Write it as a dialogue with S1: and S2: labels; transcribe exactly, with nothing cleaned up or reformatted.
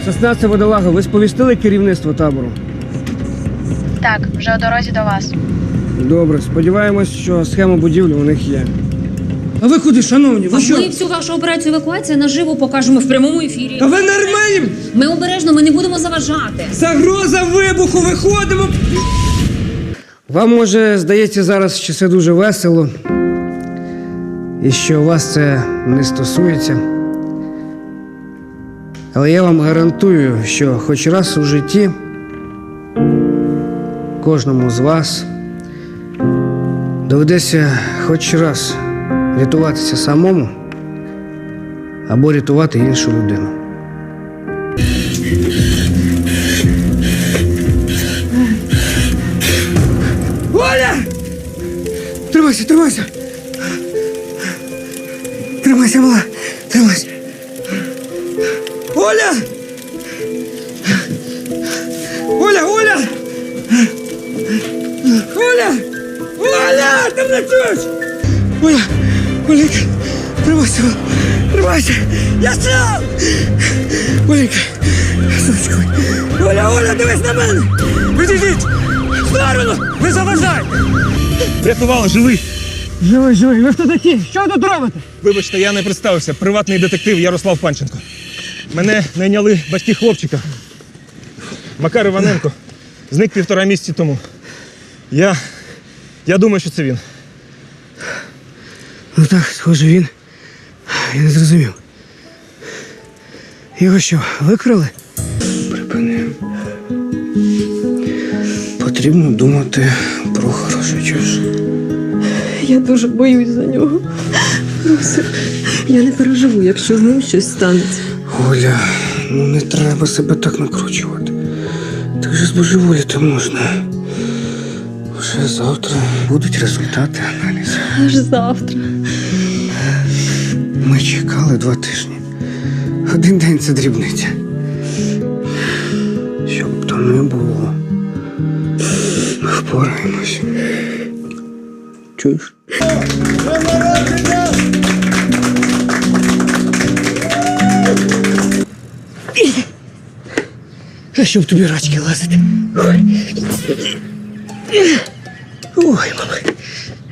S1: шістнадцяте водолага, ви сповістили керівництво табору?
S2: Так, вже у дорозі до вас.
S1: Добре, сподіваємось, що схема будівлі у них є. А ви куди, шановні? Ви
S3: А
S1: що?
S3: ми всю вашу операцію евакуації наживо покажемо в прямому ефірі.
S1: Та ви нормальні?
S3: Ми обережно, ми не будемо заважати.
S1: Загроза вибуху, виходимо! Вам, може, здається зараз, що це дуже весело, і що вас це не стосується. Але я вам гарантую, що хоч раз у житті кожному з вас доведеться хоч раз рятуватися самому або рятувати іншу людину. Оля! Тримайся, тримайся! Тримайся, мала! Тримайся! Оля! Оля, Оля! Оля! Оля! Ти мене чуєш? Оля! Оленька! Тримайся! Тримайся! Я сам! Оленька! Сонечко! Оля, Оля, дивись на мене! Відійдіть! В сторону! Ви заважаєте!
S4: Врятували, живий!
S1: Живий, живий! Ви хто такі? Що ви тут робите?
S4: Вибачте, я не представився. Приватний детектив Ярослав Панченко. Мене найняли батьки хлопчика. Макар Іваненко. Зник півтора місяці тому. Я... Я думаю, що це він.
S1: Ну так, схоже, він. Я не зрозумів. Його що, викрали? Припини. Потрібно думати про хороше, чуєш?
S5: Я дуже боюсь за нього. Русик, я не переживу, якщо з ним щось станеться.
S1: Оля, ну не треба себе так накручувати. Так же збожеволіти можна. Вже завтра будуть результати аналізу.
S5: Аж завтра.
S1: Ми чекали два тижні. Один день це дрібниця. Щоб там не було. Ми впораємось. Чуєш? А щоб тобі рачки лазити. Ой, Ой, мама.